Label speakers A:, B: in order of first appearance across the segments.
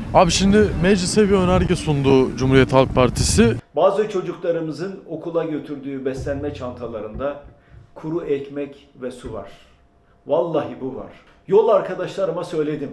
A: Abi şimdi meclise bir önerge sundu Cumhuriyet Halk Partisi.
B: Bazı çocuklarımızın okula götürdüğü beslenme çantalarında kuru ekmek ve su var. Vallahi bu var. Yol arkadaşlarıma söyledim.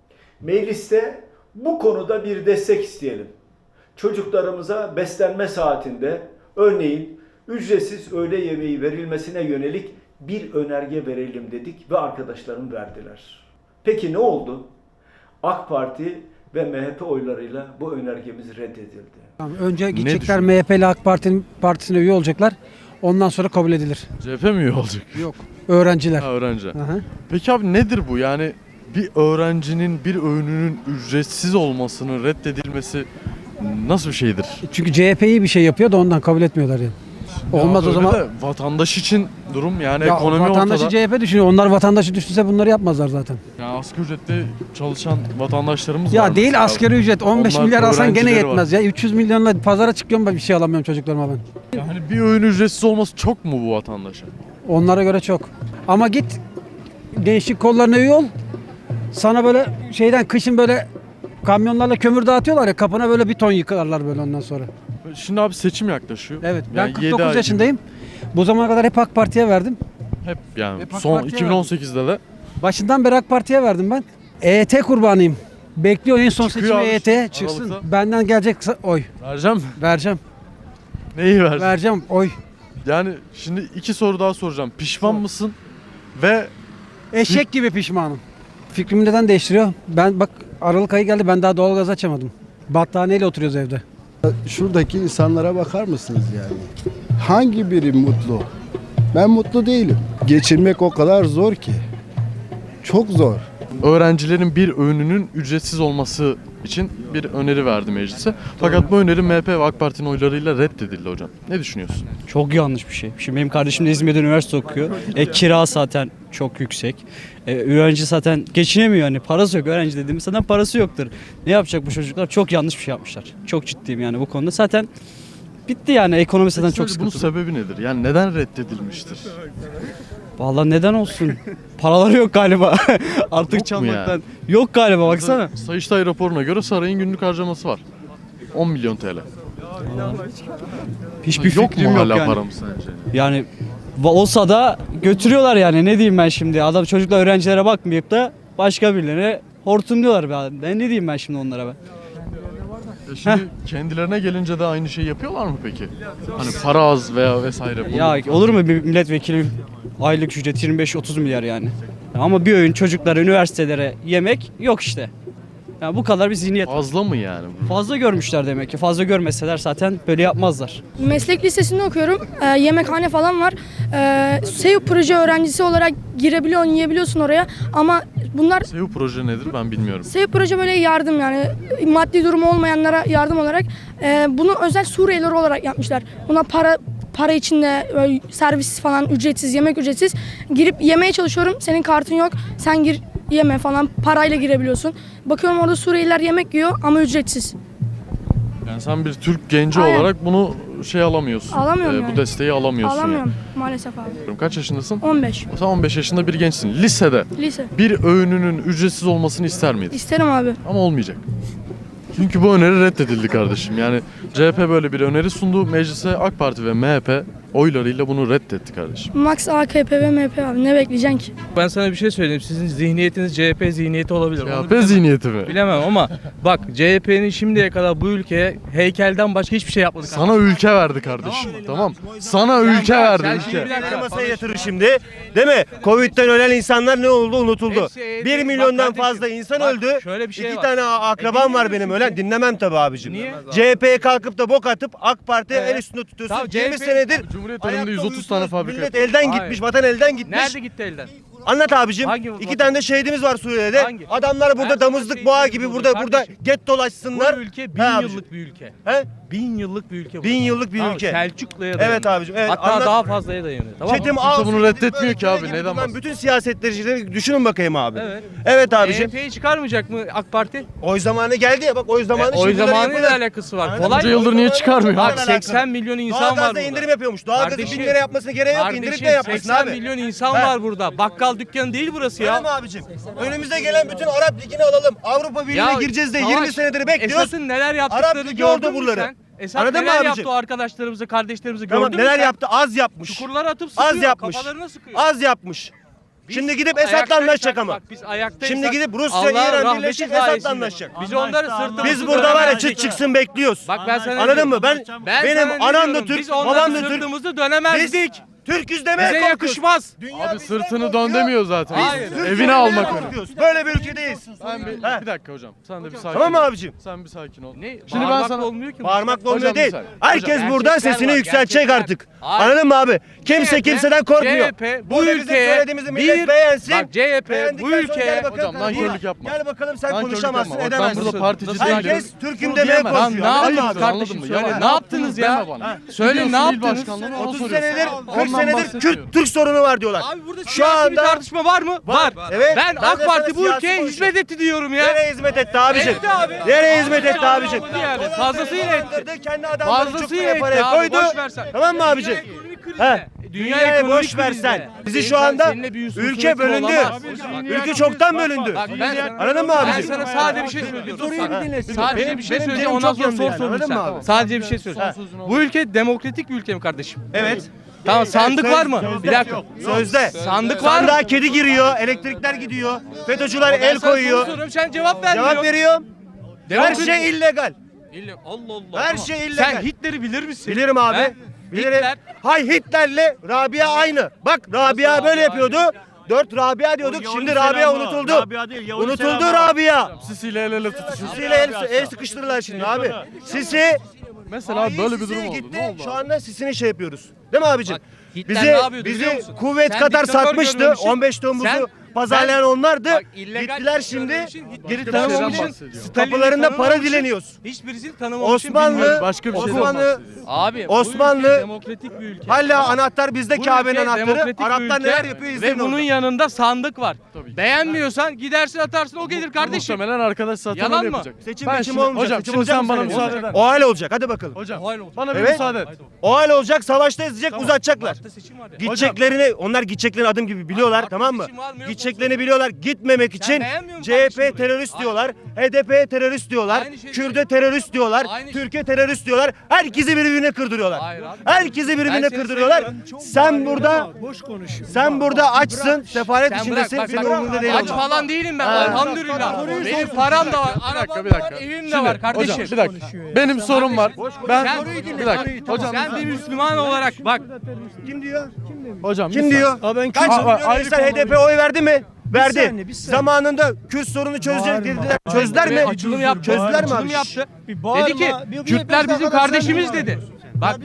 B: Mecliste bu konuda bir destek isteyelim. Çocuklarımıza beslenme saatinde örneğin ücretsiz öğle yemeği verilmesine yönelik bir önerge verelim dedik ve arkadaşlarım verdiler. Peki ne oldu? AK Parti ve MHP oylarıyla bu önergemiz reddedildi.
C: Tamam, önce gidecekler MHP ile AK Partisine üye olacaklar. Ondan sonra kabul edilir.
A: CHP mi üye olacak?
C: Yok. Öğrenciler.
A: Ha, öğrenci.
C: Aha.
A: Peki abi nedir bu? Yani bir öğrencinin bir öğününün ücretsiz olmasının reddedilmesi nasıl bir şeydir?
C: Çünkü CHP iyi bir şey yapıyor da ondan kabul etmiyorlar yani. Olmaz
A: Ya
C: o
A: öyle
C: zaman.
A: de vatandaş için durum yani
C: Ya
A: ekonomi
C: vatandaşı
A: ortada.
C: CHP düşünüyor. Onlar vatandaşı düşünse bunları yapmazlar zaten.
A: Ya asgari ücretle çalışan vatandaşlarımız var.
C: Ya değil
A: mesela.
C: asgari ücret 15
A: Onlar
C: milyar alsan gene
A: öğrencileri
C: yetmez ya. 300 milyonla pazara çıkıyorum ben bir şey alamıyorum çocuklarıma ben.
A: Yani bir öğün ücretsiz olması çok mu bu vatandaşa?
C: Onlara göre çok. Ama git gençlik kollarına üye ol. Sana böyle şeyden kışın böyle kamyonlarla kömür dağıtıyorlar ya kapına böyle bir ton yıkarlar böyle ondan sonra.
A: Şimdi abi seçim yaklaşıyor.
C: Evet ben
A: Yani 7
C: 49
A: ay
C: yaşındayım. Bu zamana kadar hep AK Parti'ye verdim.
A: gibi. Hep yani
C: Hep AK
A: son
C: Parti'ye
A: 2018'de de
C: Başından beri AK Parti'ye verdim ben. EYT kurbanıyım. Bekliyor en son
A: Çıkıyor
C: seçim
A: abi,
C: EYT çıksın.
A: Aralık'ta.
C: Benden gelecek oy.
A: vereceğim mi?
C: Vereceğim.
A: Neyi vereceğim?
C: Vereceğim oy.
A: Yani şimdi 2 soru daha soracağım. Pişman
C: Sor.
A: mısın? Ve
C: Eşek gibi pişmanım. Fikrimi neden değiştiriyor? Ben bak Aralık ayı geldi ben daha doğalgaz açamadım. Battaniyeyle oturuyoruz evde.
D: Şuradaki insanlara bakar mısınız yani? Hangi biri mutlu? Ben mutlu değilim. Geçirmek o kadar zor ki. Çok zor.
A: öğrencilerin bir öğününün ücretsiz olması için bir öneri verdi meclise. Fakat bu öneri MHP ve AK Parti'nin oylarıyla reddedildi hocam. Ne düşünüyorsun?
E: Çok yanlış bir şey. Şimdi benim kardeşim de İzmir'de üniversite okuyor. Kira zaten çok yüksek. Öğrenci zaten geçinemiyor yani. Parası yok. Öğrenci dediğimiz zaten parası yoktur. Ne yapacak bu çocuklar? Çok yanlış bir şey yapmışlar. Çok ciddiyim yani bu konuda. Zaten bitti yani. Ekonomi zaten çok
A: Bunun
E: sıkıntılı.
A: sebebi nedir? Yani neden reddedilmiştir?
E: Vallahi neden olsun? Paraları yok galiba. Artık
A: Yok mu
E: çalmaktan.
A: yani?
E: Yok galiba baksana.
A: Sayıştay raporuna göre sarayın günlük harcaması var. 10 milyon TL.
E: Hiçbir
A: Yok
E: fikrim
A: mu
E: yok
A: hala
E: yani.
A: paramız sence?
E: Yani olsa da götürüyorlar yani. Ne diyeyim ben şimdi? Adam çocuklar öğrencilere bakmayıp da başka birilerine hortumluyorlar be. Ne diyeyim ben şimdi onlara ben?
A: Şimdi kendilerine gelince de aynı şeyi yapıyorlar mı peki? Hani para az veya vesaire. bunu-
E: Ya olur mu bir milletvekili aylık ücret 25-30 milyar yani. Ama bir öğün çocuklara, üniversitelere yemek yok işte. Yani bu kadar bir zihniyet.
A: Fazla mı yani?
E: Fazla görmüşler demek ki. Fazla görmeseler zaten böyle yapmazlar.
F: Meslek lisesinde okuyorum. Yemekhane falan var. SEO proje öğrencisi olarak girebiliyorsun, yiyebiliyorsun oraya. Ama bunlar
A: SEO proje nedir ben bilmiyorum.
F: SEO proje böyle yardım yani maddi durumu olmayanlara yardım olarak bunu özel Suriyeliler olarak yapmışlar. Buna para içinde böyle servis falan ücretsiz, yemek ücretsiz. Girip yemeye çalışıyorum. Senin kartın yok. Sen gir yeme falan parayla girebiliyorsun. Bakıyorum orada Suriyeliler yemek yiyor ama ücretsiz.
A: Yani sen bir Türk genci
F: Aynen.
A: olarak bunu alamıyorsun.
F: Alamıyorum
A: Bu
F: yani.
A: desteği alamıyorsun.
F: Alamıyorum maalesef abi.
A: Yani. Kaç yaşındasın?
F: 15.
A: Sen 15 yaşında bir gençsin. Lisede
F: Lise.
A: bir öğününün ücretsiz olmasını ister miydin?
F: İsterim abi.
A: Ama olmayacak. Çünkü bu öneri reddedildi kardeşim. Yani CHP böyle bir öneri sundu. Meclise AK Parti ve MHP oylarıyla bunu reddetti kardeşim.
F: Max AKP ve MHP abi ne bekleyeceksin ki?
G: Ben sana bir şey söyleyeyim. Sizin zihniyetiniz CHP zihniyeti olabilir. Onu
A: CHP zihniyeti mi?
G: bilemem ama bak CHP'nin şimdiye kadar bu ülkeye heykelden başka hiçbir şey yapmadı.
A: Sana ülke verdi kardeşim. Tamam. Sana ülke verdi
G: Sen
A: ülke.
G: şimdi bir dakika.
H: Masaya yatırır şimdi. Değil mi? Covid'den ölen insanlar ne oldu? Unutuldu.
G: Hepsi-
H: 1
G: bak
H: milyondan
G: kardeşim,
H: fazla insan
G: bak
H: öldü.
G: şöyle bir şey
H: 2
G: var.
H: tane akrabam var benim ölen. Dinlemem tabii abicim.
G: Niye?
H: CHP'ye kalkıp da bok atıp AK Parti'ye el üstünde tutuyorsun.
G: Tamam,
H: 20
G: CHP
H: senedir
A: Cumhuriyet
H: ayakta
A: önünde 130
H: uyusunuz.
A: tane fabrika.
H: Millet elden
G: Hayır.
H: gitmiş, vatan elden gitmiş.
G: Nerede gitti elden?
H: Anlat abicim.
G: Hangi
H: 2
G: vatan?
H: tane de şehidimiz var Suriye'de.
G: Hangi?
H: Adamlar
G: Her
H: burada
G: zaman
H: damızlık
G: şehit
H: boğa
G: gibi
H: gibi
G: burada
H: burada
G: kardeşim.
H: get dolaşsınlar.
G: Bu ülke
H: He
G: 1000
H: abicim.
G: yıllık bir ülke.
H: He?
G: 1000 yıllık bir ülke bu.
H: 1000 yıllık bir
G: Tamam,
H: ülke.
G: Selçuklu'ya dayanıyor.
H: Evet abicim. Evet.
G: Hatta
H: Anlat.
G: daha fazlaya dayanıyor. Tamam mı?
H: Çetim
A: Kimse
H: Ağustos
A: bunu
H: gibi
A: reddetmiyor ki abi,
H: gibi
A: neden
H: bulunan
A: bahsediyorsun?
H: bütün siyasetleri düşünün bakayım abi.
G: Evet.
H: Evet abicim.
G: CHP'yi çıkarmayacak mı AK Parti?
H: Oy zamanı geldi ya bak oy zamanı.
G: Oy
H: şimdileri
G: zamanıyla
H: yapılır.
G: alakası var.
H: Aynen.
G: Kolay
A: Bunca
G: mı?
A: yıldır niye çıkarmıyor?
G: Bak
H: Alakalı.
G: 80 milyon insan var
H: Doğalgazda
G: burada.
H: indirim yapıyormuş. Doğalgazı 1000 lira yapmasına gerek yok. İndirim de yapmasın
G: 80
H: abi.
G: milyon insan
H: He.
G: var burada. Bakkal mangal dükkanı değil burası
H: Öyle
G: ya.
H: mi abicim? Önümüze gelen bütün Arap Ligi'ni alalım. Avrupa Birliği'ne gireceğiz de 20 senedir bekliyoruz.
G: Esat'ın neler yaptıklarını
H: Ligi
G: gördün
H: orada
G: mü
H: buraları.
G: sen? Esat
H: Anladın mı
G: neler
H: abicim?
G: yaptı o arkadaşlarımızı, kardeşlerimizi
H: Tamam,
G: gördün mü
H: neler
G: sen?
H: yaptı? Az yapmış.
G: Çukurlara atıp sıkıyor,
H: Az yapmış.
G: kafalarına sıkıyor.
H: Az yapmış.
G: Biz
H: Şimdi gidip Esad'la
G: ayaktaysak-
H: anlaşacak ama.
G: Bak biz ayaktaysak
H: Şimdi gidip Rusya,
G: Allah'ın
H: İran
G: rahmeti
H: birleşip
G: sayesinde.
H: Esad'la anlaşacak.
G: Biz onları sırtımızı
H: Biz burada var ya
G: dönemezdik.
H: çıt çıksın bekliyoruz.
G: Bak ben sana
H: Anladın
G: diyorum.
H: mı? Benim
G: sana ne
H: anam da
G: diyorum?
H: Türk,
G: Biz
H: babam
G: onları
H: da Türk.
G: sırtımızı dönemezdik.
H: Biz Türk'üz demeye
G: Bize
H: korkuyoruz.
G: yakışmaz.
H: Dünya
A: Abi
H: bizden
A: sırtını
H: korkuyor.
A: dön demiyor zaten.
G: Hayır.
H: Türk
A: Evine
H: demeye
A: almak öyle.
H: korkuyoruz. Böyle bir ülkedeyiz.
A: Bir dakika hocam. Sen de bir sakin
H: Tamam mı
A: ol.
H: abicim?
A: Sen bir sakin ol.
G: Ne?
A: Şimdi ben
G: Bağırmakla
A: sana
G: olmuyor ki.
H: Bağırmakla
A: Hocam
H: olmuyor
A: bir
H: değil.
A: saniye.
H: Herkes
G: Hocam,
H: burada
G: gerçekler
H: sesini
G: var,
H: yükseltecek
G: gerçekler.
H: artık.
G: Hayır.
H: Anladın mı abi? Kimse kimseden korkmuyor.
G: CHP bu
H: Burada bizim
G: ülkeye
H: söylediğimizi millet beğensin.
G: Bak CHP bu
H: Beğendikten sonra
G: ülkeye
H: gel bakalım
A: Hocam, nankörlük yapma.
H: Gel bakalım sen
A: Nankörlük
H: konuşamazsın,
A: yapma. Bak, ben
H: edemezsin.
A: burada partici
G: Nasıl
A: değilim.
H: Herkes Türk'üm
A: Bunu
H: demeye
A: diyemem.
H: korkuyor.
G: Lan ne
H: Anladın mı
G: yaptınız
H: abi?
G: kardeşim?
A: Anladın mı?
G: Söyle
A: Ya
G: ne yaptınız ya?
A: deme bana.
G: Söyle ne
A: Gidiyorsun il
G: yaptınız?
A: başkanlığına onu
H: 30
A: soruyorsun.
H: senedir, 40
A: Ondan
H: senedir
A: bahsediyorum.
H: Türk sorunu var diyorlar.
G: Abi burada
H: Şu
G: siyasi bir
H: anda
G: tartışma var mı? Var.
H: Evet,
G: Ben
H: ben de
G: AK
H: sana
G: Parti bu
H: siyasi
G: ülkeye
H: konuşuyorum.
G: hizmet etti diyorum ya.
H: nereye hizmet etti abicim?
G: Etti abi.
H: Nereye hizmet etti abicim?
G: Yani fazlasıyla etti.
H: Kendi adamları çok
G: Fazlasıyla
H: buraya
G: etti
H: paraya
G: abi.
H: koydu.
G: Boş versen.
H: Tamam mı abicim?
G: Dünya ekonomik krizde.
H: He. Dünyayı
G: ekonomik
H: boş versen.
G: krizde.
H: Bizi şu
G: Senin-
H: anda
G: seninle bir husumetin
H: ülke bölündü.
G: olamaz.
H: Ülke çoktan bölündü.
G: Bak ben
H: Anladın mı
G: Ben
H: abicim?
G: sana sadece bir şey söylüyorum. Sadece bir şey
H: benim
G: söyleyeceğim
H: canım
G: ondan
H: çok
G: sonra
H: yandı
G: sor
H: yani,
G: sorunu
H: anladın
G: sen.
H: mı abi?
G: Sadece bir şey söyleyeceğim. Bu ülke demokratik bir ülke mi kardeşim?
H: Evet.
G: Tamam sandık var mı? Bir dakika.
H: Sözde.
G: Sandık var mı?
H: Sandığa kedi giriyor, elektrikler gidiyor. FETÖ'cüler el
G: Ben sana
H: koyuyor.
G: soru soruyorum, sen cevap vermiyorsun.
H: Cevap veriyorum. Her
G: Demokratik-
H: şey illegal.
G: Allah Allah.
H: Her şey illegal.
G: Sen Hitler'i bilir misin?
H: Bilirim abi.
G: He?
H: Bilirim.
G: Hitler.
H: Hay Hitler'le Rabia aynı. Bak Rabia böyle yapıyordu. 4 Rabia diyorduk. Şimdi Rabia unutuldu. Unutuldu Rabia.
A: Sisi ile el ele tutuşuyorsun.
H: Sisiyle el sıkıştırırlar şimdi abi. Sisi
A: Mesela böyle bir durum
H: Sisi
A: oldu.
H: gitti.
A: Ne oldu?
H: Şu anda Sisi'ni şey yapıyoruz. Değil mi abicim?
G: Hitler ne yapıyordu biliyor
H: Bizi
G: musun?
H: kuvvet
G: Sen
H: Katar
G: diktatör
H: satmıştı.
G: görmemişsin.
H: 15 Temmuz'u
G: Sen-
H: pazarlayan onlardı.
G: Bak, illegal
H: Gittiler
G: bir şey
H: şimdi
G: görmemişsin, Hitler'i
H: geri
A: tanımamışsın.
H: tanımamışsın.
A: bahsediyor.
G: Stalin'i
H: Kapılarında para
G: tanımamışsın,
H: dileniyoruz.
G: Hiçbirisini tanımamışsın.
H: Osmanlı,
G: bilmiyorum.
A: Başka bir şeyden
H: Osmanlı,
A: bahsediyor.
G: Abi
H: Osmanlı-
G: bu ülke demokratik bir ülke.
H: hala anahtar bizde,
G: Bu
H: Kabe'nin
G: ülke
H: anahtarı.
G: demokratik bir
H: Araplar
G: ülke
H: neler yapıyor izleyin
G: ve bunun
H: orada.
G: yanında sandık var.
A: Tabii ki.
G: Beğenmiyorsan gidersin atarsın o gelir kardeşim.
A: Muhtemelen arkadaş zaten
G: Yalan
A: öyle
G: mı?
A: yapacak.
H: Seçim
A: Ben
H: meçim
A: şimdi-
H: olmayacak.
A: Hocam
H: Seçim
A: şimdi
H: olacak
A: sen
H: mı
A: bana
H: senin?
A: müsaade
H: Olacak.
A: eder
H: O hal olacak. Hadi bakalım.
A: Hocam
G: Hayır olacak.
A: bana bir
H: Evet.
A: müsaade et.
H: O hal olacak. Savaşta ezecek, uzatacaklar.
G: Mart'ta seçim var ya.
H: Gideceklerini, onlar gideceklerini adım gibi biliyorlar,
G: Mart'ta
H: tamam mı?
G: seçim var mı, yok mu?
H: Gideceklerini biliyorlar. Gitmemek için
G: beğenmiyor musun
H: CHP
G: kardeşim
H: terörist
G: burayı?
H: diyorlar. HDP terörist diyorlar.
G: Aynı şey
H: Kürde
G: değil.
H: terörist diyorlar.
G: Aynı şey.
H: Türkiye terörist diyorlar. Herkesi birbirine kırdırıyorlar.
G: Hayır abi.
H: Herkesi
G: Ben
H: birbirine
G: seni
H: kırdırıyorlar.
G: seviyorum.
H: Sen burada sen burada açsın, sefalet
G: Sen bırak
H: içindesin.
G: bak,
H: Senin
G: bak,
H: umurunda değil.
G: aç
H: onlar.
G: falan değilim ben elhamdülillah. Benim param da var, arabam da var, evim de var kardeşim.
A: Hocam bir dakika. Benim sorum var. Ben
G: Sen-
A: bir dakika. Hocam
G: Sen bir Müslüman olarak bak
H: Kim diyor?
A: hocam
H: Kim diyor? Kaç
A: Aa,
H: milyon
A: ayrı
H: insan
A: konu.
H: HDP oy verdi mi? Verdi.
D: saniye, bir saniye.
H: Zamanında Kürt sorunu çözecek dediler. Çözdüler mi?
G: açılım yaptı.
H: Çözdüler mi
G: Açılım
H: abi?
G: yaptı. Dedi ki Kürtler bizim kardeşimiz dedi. Bak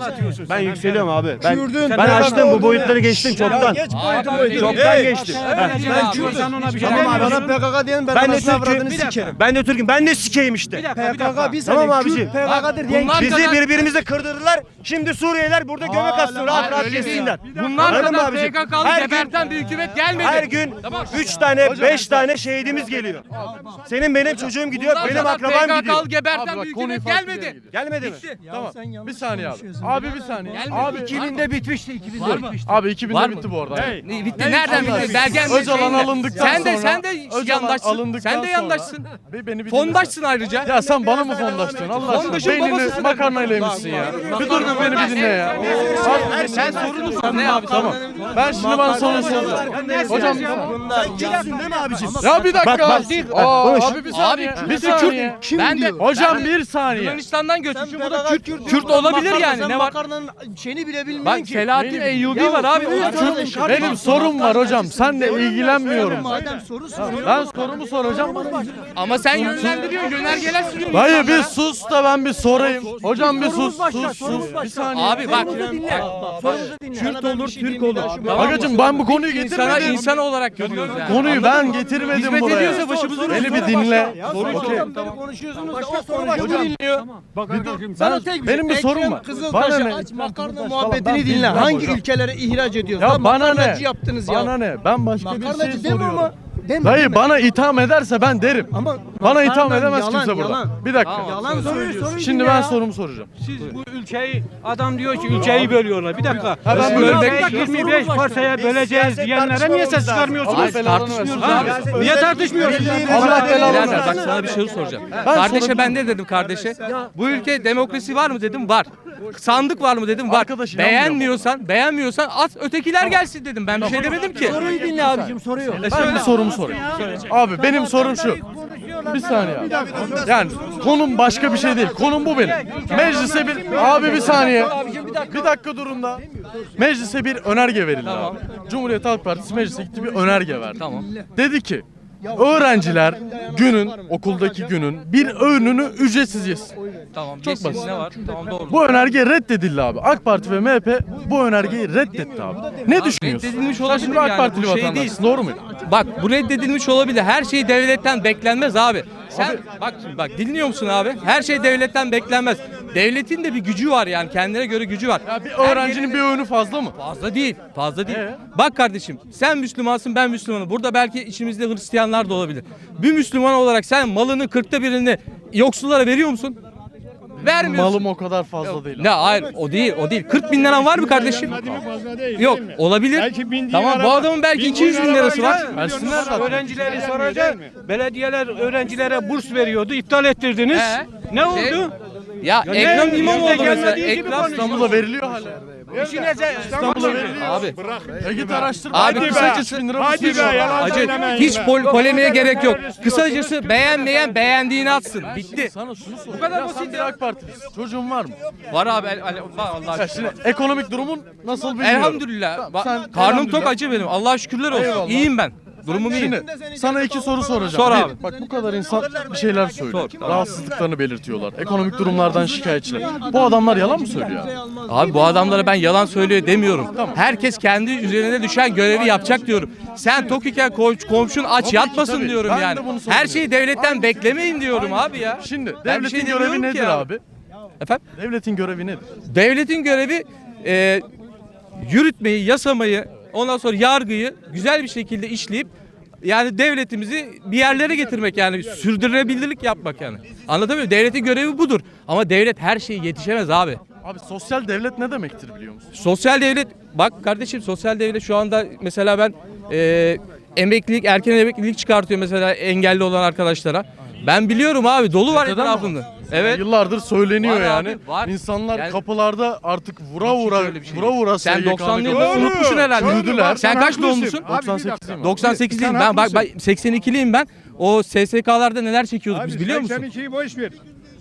H: Ben yükseliyorum abi. Ben
D: Kürdün-
H: açtım bu boyutları geçtim çoktan.
G: Abi,
H: Çoktan geçtim.
G: Ben Kürt'ten
D: ona bir
H: Tamam abi.
D: Bana PKK diyen ben
H: Ben de
D: anasını avradını
H: Türk'üm.
D: sikerim.
H: Ben de Türk'üm. Ben de sikeyim işte.
D: PKK bir
H: Tamam
D: saniye
H: abicim.
D: Kürt PKK'dır diyen
G: bunlar
H: Bizi
G: kadar-
H: birbirimize kırdırdılar. Şimdi Suriyeliler burada göbek atsın. Rahat rahat
G: öyle değil.
H: geçsinler.
G: Bunlar
H: Anladın mı
G: kadar
H: abicim?
G: PKK'lı
H: Her gün-
G: geberten bir hükümet gelmedi.
H: Her gün
G: Tamam.
H: 3 tane 5 tane şehidimiz geliyor. Senin benim çocuğum gidiyor.
G: Bunlar
H: Benim
G: kadar
H: akrabam gidiyor.
G: PKK'lı
A: Abi
G: geberten
A: bak,
G: bir
A: konuyu
G: hükümet
A: farklı bir yere
G: gelmedi.
A: gidiyor.
H: Gelmedi mi?
A: Tamam. Bir saniye abi. Abi bir saniye.
G: Gelmedi.
A: Abi
D: 2000'de bitmişti 2000'de bitmişti.
A: Abi 2000'de
G: Var mı?
A: bitti bu arada.
G: Ne bitti? Nereden bitti? Belgen
A: Öcalan alındıktan
G: sen de
A: sonra-
G: sen de
A: Öcalan
G: yandaşsın.
A: alındıktan
G: Sen de
A: sonra-
G: yandaşsın.
A: Beni bir
G: Fondaşsın ayrıca.
A: Ya sen bana mı fondaştın Allah aşkına?
G: Fondaşın
A: Beynini
G: babasısın.
A: makarnayla yemişsin ya. Bir dur bir beni bir dinle ya.
G: Sen sorunu sor. Ne abi?
A: Tamam. Ben şimdi bana soru soracağım. Hocam
H: Kimsin değil mi abicim?
A: ya bir dakika.
H: Bak,
A: Aa,
H: konuş.
A: abi bir saniye.
G: Abi,
A: Bir saniye.
G: Ben de
A: Hocam bir saniye.
G: Yunanistan'dan göçmüşüm. Bu da Kürt olabilir yani. Ne var?
D: Makarnanın şeyini bile bilmiyorsun
G: Bak
D: ki.
G: Selahattin Eyyubi var abi.
A: Benim sorum var hocam. Senle ilgilenmiyorum.
D: Madem soru soruyor.
A: Ben sorumu soracağım.
G: Ama sen yönlendiriyorsun. Yönergeler sunuyorsun.
A: Hayır bir sus da ben bir sorayım. Hocam bir sus sus. Bir saniye.
G: Abi bak.
D: Kürt olur, Türk olur.
A: Bagacım ben bu konuyu
G: İnsana
A: getirmedim.
G: insan olarak görüyoruz yani.
A: Konuyu ben getirmedim
G: Hizmet
A: buraya.
G: ediyorsa başımızın
A: Beni bir dinle. Okey.
D: Konuşuyorsunuz.
G: Başka soru dinliyor.
A: Benim bir sorum var. Bana ne?
D: Makarna muhabbetini dinle. Hangi ülkelere ihraç ediyoruz?
A: Ya bana ne?
D: Makarnacı yaptınız ya.
A: Bana ne? Ben başka bir şey
D: Makarnacı deme
A: soruyorum.
D: ama
A: Dayı bana itham ederse ben derim.
H: Ama
A: Bana itham
H: Yalan,
A: edemez
H: yalan,
A: kimse burada.
H: yalan.
A: Bir dakika.
H: Yalan söylüyorsun.
A: Şimdi ben sorumu soracağım.
I: Siz bu ülkeyi, adam diyor ki ülkeyi bölüyorlar. Bir dakika.
A: ben
I: Biz
A: bölmek
I: bölmek 25 parsaya böleceğiz diyenlere niye ses çıkarmıyorsunuz?
A: Tartışmıyoruz
I: abi. Niye tartışmıyorsunuz?
A: Allah belanı
G: Birader
A: versin.
G: bak sana bir şey soracağım. Kardeşe ben ne dedim kardeşe? Bu ülke demokrasi var mı dedim, var. Sandık var mı dedim, var.
A: Arkadaş inanmıyor
G: Beğenmiyorsan at ötekiler gelsin dedim. Ben bir şey demedim ki.
C: Soruyu dinle abicim, soruyu.
A: Ben bir sorumu sorayım. Abi benim sorum şu. Bir saniye abi. Yani konum başka bir şey değil. Konum bu benim. Meclise abi bir saniye. Bir dakika durun da. Meclise bir önerge verildi abi. Cumhuriyet Halk Partisi meclise gitti, bir önerge verdi.
G: Tamam.
A: Dedi ki öğrenciler okuldaki günün bir öğününü ücretsiz yesin.
G: Tamam.
A: Çok basit.
G: Ne var? Tamam doğru.
A: Bu önerge reddedildi abi. AK Parti ve MHP bu önergeyi reddetti abi. Ne düşünüyorsun?
G: reddedilmiş olabilir
A: Şimdi AK
G: yani,
A: Partili
G: bu şey
A: vatandaşsın,
G: değil.
A: doğru mu?
G: Bak bu reddedilmiş olabilir. Her şey devletten beklenmez abi. Sen bak dinliyor musun abi? Her şey devletten beklenmez. Devletin de bir gücü var yani, kendine göre gücü var.
A: Ya bir öğrencinin bir öğünü fazla mı?
G: Fazla değil. Fazla değil. Bak kardeşim, sen Müslümansın, ben Müslümanım. Burada belki içimizde Hristiyanlar da olabilir. Bir Müslüman olarak sen malını 40'ta birini yoksullara veriyor musun? Vermiyorsun.
A: Malım o kadar fazla değil.
G: Ne hayır, o değil. 40 bin liran var mı kardeşim? Yok, olabilir. Tamam, bu adamın belki 200 bin lirası var.
A: Versinler zaten.
I: Öğrencileri soracak. Belediyeler öğrencilere burs veriyordu. İptal ettirdiniz. Ne oldu?
G: Ya
I: ne?
G: Ekrem İmamoğlu
I: Yüzde
G: mesela.
I: gelmediği gibi
G: Ekrem
I: konuşuyor.
A: İstanbul'da veriliyor hala. İstanbul'da veriliyor.
G: Abi.
A: Git araştır.
G: Abi
A: kısacası 1000 lira
H: Hadi be, yalan
G: Acı,
H: söylemeyin
G: hiç
H: be.
G: polemiğe gerek yok. Kısacası beğenmeyen beğendiğini atsın. Bitti.
A: Sana şunu sorayım. Bu kadar basit ya. AK Partilisin. Çocuğun var mı?
G: Var abi, var Allah
A: Ya
G: aşkına.
A: şimdi ekonomik durumun nasıl bilmiyorum.
G: Elhamdülillah.
A: Sen
G: Karnım
A: elhamdülillah.
G: tok acı benim. Allah'a şükürler olsun.
A: Eyvallah.
G: İyiyim ben. Durumum iyi.
A: Şimdi sana iki soru soracağım.
G: Sor
A: Bir,
G: abi.
A: Bak bu kadar insan bir şeyler söylüyor.
G: Sor.
A: Rahatsızlıklarını belirtiyorlar. Ekonomik durumlardan şikayetçiler. Bu adamlar yalan mı söylüyor abi?
G: Abi bu adamlara ben yalan söylüyor demiyorum. Herkes kendi üzerine düşen görevi yapacak diyorum. Sen tok iken komşun aç yatmasın
A: tabii.
G: diyorum
A: Ben de
G: yani.
A: bunu
G: Her
A: savunuyorum.
G: şeyi devletten beklemeyin diyorum abi ya.
A: Şimdi
G: Ben bir
A: devletin
G: şey
A: görevi
G: demiyorum
A: nedir
G: ki
A: abi?
G: Efendim?
A: Devletin görevi nedir?
G: Devletin görevi yürütmeyi, yasamayı, ondan sonra yargıyı güzel bir şekilde işleyip yani devletimizi bir yerlere getirmek, yani sürdürülebilirlik yapmak yani. Anlatabiliyor muyum? Devletin görevi budur. Ama devlet her şeye yetişemez abi.
A: Abi sosyal devlet ne demektir biliyor musun?
G: Sosyal devlet, bak kardeşim, sosyal devlet şu anda mesela ben emeklilik, erken emeklilik çıkartıyor mesela engelli olan arkadaşlara. Ben biliyorum abi, dolu var
A: Neden
G: etrafında. Evet.
A: Yıllardır söyleniyor
G: Var
A: yani.
G: abi, var.
A: İnsanlar
G: Yani-
A: kapılarda artık vura
G: Hiç
A: vura
G: öyle bir şey
A: vura vura
G: Sen
A: SGK'nı
G: 90'lı
A: götürüyor.
G: yılları unutmuşsun herhalde.
A: Yürüdüler.
G: Sen kaç doğumlusun?
A: 98'liyim.
G: 98'liyim ben. Bak 82'liyim ben. O SSK'larda neler çekiyorduk biz biliyor musun?
J: 82'yi boş ver.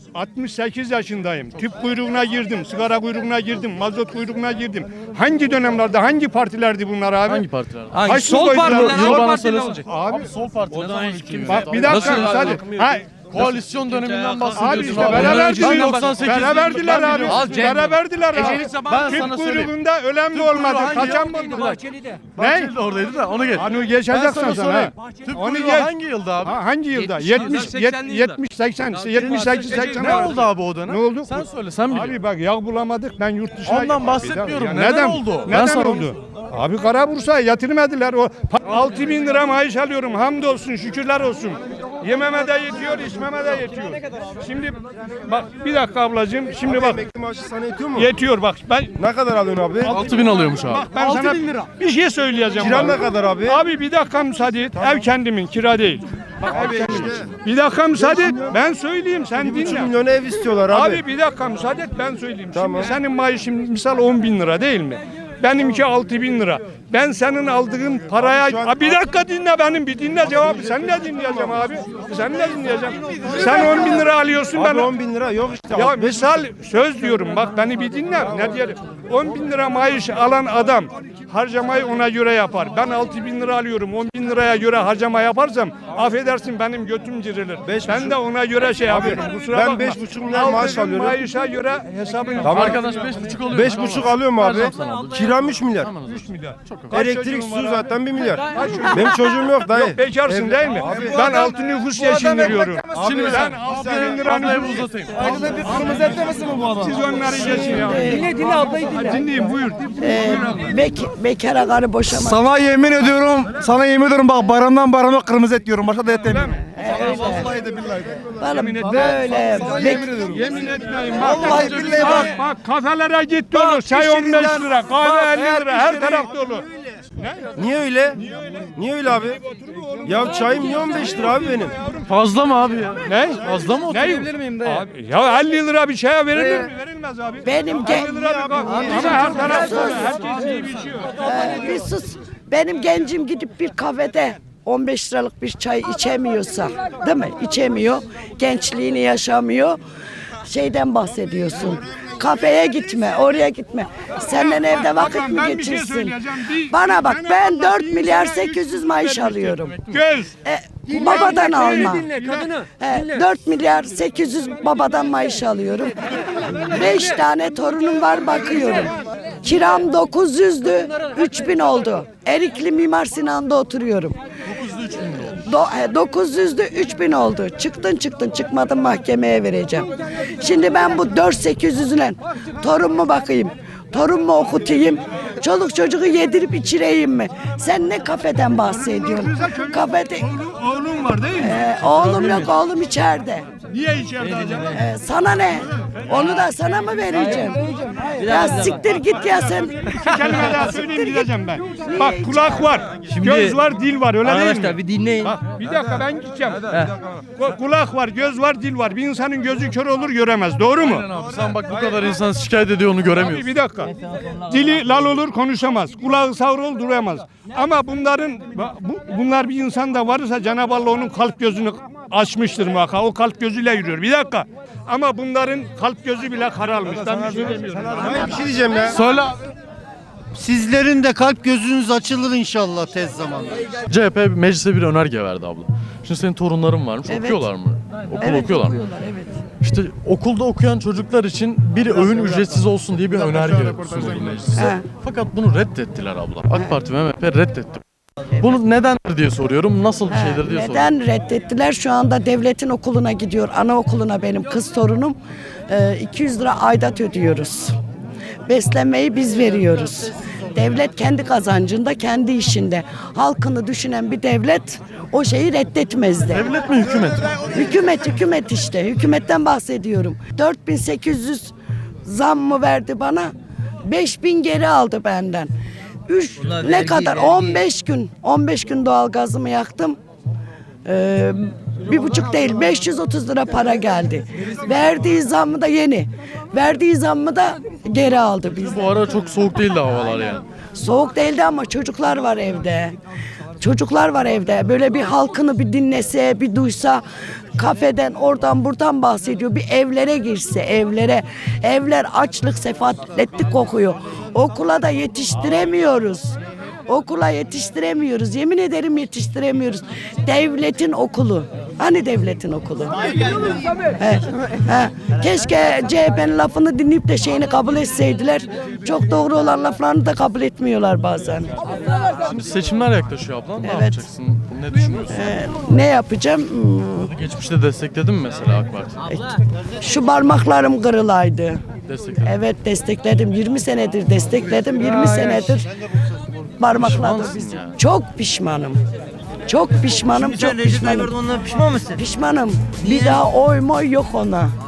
J: 68 yaşındayım. Tüp kuyruğuna girdim, sigara kuyruğuna girdim, mazot kuyruğuna girdim. Hangi dönemlerde, hangi partilerdi bunlar abi?
A: Hangi partiler?
G: Hangi
J: Kaç
G: sol
J: yıl
G: partiler?
J: boyunca-
G: Sol
A: Yıl bana
G: partiler
A: söylesene.
G: olacak.
A: Abi sol parti ne zaman hükümete
J: Bak bir
A: aldı?
J: dakika
G: Nasıl?
J: hadi. Ha,
A: Koalisyon döneminden bahsediyorsun.
J: abi işte
A: abi.
J: beraber
A: Ben
J: verdiler.
A: 98'liyim.
J: Beraber verdiler
A: Ben
J: abi.
A: biliyorum.
G: Al Cem.
J: Beraber verdiler abi.
A: Ben
J: Tüp
A: sana söyleyeyim.
J: kuyruğunda ölen de olmadı.
A: hangi
J: Kaçan
A: yıl?
J: mı olmadı?
C: Bahçeli'de.
A: Bahçeli de oradaydı da onu geç.
J: Hani
A: Ben
J: geçeceksin
A: sana
J: sen
A: sorayım.
J: ha.
A: Tüp
J: Onu
A: kuyruğu
J: geç.
A: hangi yılda abi?
J: Hangi yılda?
G: 70, 80'li yıllar.
J: 70, 80, 78, 80.
A: Ne oldu abi o dönem?
J: Ne oldu?
A: Sen söyle, sen biliyorsun.
J: Abi bak yağ bulamadık, ben yurt dışına...
A: Ondan bahsetmiyorum. Neden oldu? Ben
J: Neden
A: sana
J: oldu? Abi Kara Bursa'ya yatırmadılar. O 6 bin lira maaş alıyorum. Hamdolsun, şükürler olsun. Yememe de yetiyor, içmeme de yetiyor. Şimdi bak bir dakika ablacığım. Şimdi bak.
H: Emekli maaşı sana yetiyor mu?
J: Yetiyor bak. Ben
H: Ne kadar alıyorsun abi?
A: 6000 alıyormuş abi.
J: bak ben sana bir şey söyleyeceğim.
H: Kiran
J: bak.
H: ne kadar abi?
J: Abi bir dakika müsaade et. Ev kendimin, kira değil. Bak, ev kendimin. Bir dakika müsaade et. Ben söyleyeyim, sen
H: 1,5
J: dinle.
H: milyona ev istiyorlar abi.
J: Abi bir dakika müsaade et, ben söyleyeyim.
H: Tamam.
J: Şimdi senin maaşın misal 10 bin lira değil mi? Benimki 6 bin lira. Ben senin aldığın paraya...
H: şu an-
J: Abi bir dakika dinle benim, bir dinle cevabı. Sen ne dinleyeceğim abi? Sen ne dinleyeceğim? Sen 10 bin lira alıyorsun, ben...
H: Abi 10 bin lira yok işte.
J: Ya misal söz diyorum, bak beni bir dinle. Ne diyelim? 10 bin lira maaş alan adam harcamayı ona göre yapar. Ben 6 bin lira alıyorum, 10 bin liraya göre harcama yaparsam affedersin benim götüm cirilir. Ben de ona göre şey yapıyorum. Kusura
H: ben
J: bakma.
H: 5,5 milyar maaş
J: Aldığım
H: alıyorum.
J: maaşa göre hesabını...
H: Tamam.
A: Arkadaş 5,5 alıyor.
H: 5,5 alıyorum abi.
A: Vereceğim sana abi.
H: Kiram 3 milyar.
J: 3 milyar. Kaç
H: Elektrik
J: çocuğun var
H: su
J: abi?
H: zaten 1 milyar. Benim çocuğum yok dayı.
J: Yok bekarsın değil mi? Ben altı nüfus geçindiriyorum.
A: Şimdi
J: Ben
A: sen
J: 6
A: ablayı
J: bin lira
A: ablayı
J: nüfus...
A: uzatayım.
H: Kırmızı etlemesi mi bu adam?
J: Siz onları geçin ya.
C: Dinle ablayı dinle.
J: Dinleyin buyur.
K: Bekara karı boşama.
H: Sana yemin ediyorum, bak bayramdan kırmızı et diyorum. Başka da et demiyorum. Vallahi de billahi de.
K: Böyle
J: Yemin etmeyin bak. Vallahi billahi bak kafelere git dolu. Çay 15 lira, kahve 50 lira, her taraf dolu.
H: Niye öyle? Niye öyle abi? Ya çayım niye 15 lira abi benim?
A: Fazla mı abi ya?
J: Ne?
A: Fazla mı
J: Ne?
A: oturabilir miyim de?
J: Abi, ya 50 lira bir çaya verilir mi? Verilmez abi.
K: Benim
J: 50 lira bir bak. Ama her taraf dolu. Herkes iyi biçiyor.
K: bir sus. Benim gencim gidip bir kafede 15 liralık bir çay içemiyorsa, değil mi? İçemiyor. Gençliğini yaşamıyor. Şeyden bahsediyorsun. Kafeye gitme, oraya gitme. Senden evde vakit mi
J: Ben bir şey
K: geçirsin?
J: söyleyeceğim.
K: Bana bak, ben 4 milyar 800 maaş alıyorum.
J: Göz.
K: Babadan alma. 4 milyar 800 babadan maaş alıyorum. 5 tane torunum var, bakıyorum. Kiram 900'dü, 3000 oldu. Erikli Mimar Sinan'da oturuyorum. 900'dü, 3000 oldu. Çıktın çıkmadın, mahkemeye vereceğim. Şimdi ben bu 4-800'üne torun mu bakayım? Torun mu okutayım? Çoluk çocuğu yedirip içireyim mi? Sen ne kafeden bahsediyorsun? Kafede...
J: Oğlum var değil mi?
K: Oğlum yok, oğlum içeride.
J: Niye içeride acaba?
K: Sana ne? Onu da sana mı vereceğim? Ya siktir git ya sen.
J: Bir kelime daha söyleyeyim gideceğim ben. Bak kulak var, göz var, dil var öyle değil mi?
E: Arkadaşlar bir dinleyin.
J: Bak bir dakika ben gideceğim. Kulak var, göz var, dil var. Bir insanın gözü kör olur göremez. Doğru mu?
A: Abi sen bak bu kadar insan şikayet ediyor onu göremiyorsun.
J: Bir dakika. Dili lal olur konuşamaz. Kulağı sağır olur duramaz. Ama bunlar bir insanda varsa Cenab-ı Allah onun kalp gözünü açmıştır muhakkak. O kalp gözüyle yürüyor. Bir dakika. Ama bunların kalp gözü bile kararmış. Ben bir şey demiyorum.
H: Bir şey diyeceğim ya.
A: Söyle abi.
H: Sizlerin de kalp gözünüz açılır inşallah tez zamanda.
A: CHP meclise bir önerge verdi abla. Şimdi senin torunların varmış.
K: Evet.
A: Okuyorlar mı? Okul
K: Evet,
A: okuyorlar mı?
K: evet.
A: İşte okulda okuyan çocuklar için bir öğün ücretsiz olsun diye bir önerge sunuldu meclise.
K: He.
A: Fakat bunu reddettiler abla. AK Parti ve MHP reddetti. Bunu nedendir diye soruyorum. Nasıl bir şeydir diye soruyorum.
K: Neden reddettiler? Şu anda devletin okuluna gidiyor. Anaokuluna benim kız torunum. 200 lira aidat ödüyoruz. Beslenmeyi biz veriyoruz. Devlet kendi kazancında, kendi işinde. Halkını düşünen bir devlet o şeyi reddetmezdi.
A: Devlet mi hükümet mi?
K: Hükümet işte. Hükümetten bahsediyorum. 4800 zam mı verdi bana? 5000 geri aldı benden. Ne kadar? 15 gün doğalgazımı yaktım. 1,5 değil 530 lira para geldi. Verdiği zammı da yeni. Verdiği zammı da geri aldı bizden.
A: Bu ara çok soğuk değildi havalar yani.
K: Soğuk değildi ama çocuklar var evde. Çocuklar var evde. Böyle bir halkını bir dinlese, bir duysa, kafeden oradan buradan bahsediyor. Bir evlere girse, evlere. Evler açlık, sefaletlik kokuyor. Okula da yetiştiremiyoruz. Okula yetiştiremiyoruz. Yemin ederim yetiştiremiyoruz. Devletin okulu. Hani devletin okulu? He. Keşke CHP'nin lafını dinleyip de şeyini kabul etseydiler. Çok doğru olan laflarını da kabul etmiyorlar bazen.
A: Şimdi seçimler yaklaşıyor abla. Ne
K: Evet.
A: yapacaksın? Ne düşünüyorsun?
K: Ne yapacağım?
A: Geçmişte destekledin mi mesela AK Parti?
K: Şu parmaklarım kırılaydı.
A: Destekledin.
K: Evet destekledim. 20 senedir destekledim. 20 senedir parmakladı
A: Pişmansın
K: bizi.
A: yani.
K: Çok pişmanım. Çok pişmanım. Çok pişmanım.
H: Ondan pişman mısın?
K: Pişmanım. Bir daha oy moy yok ona.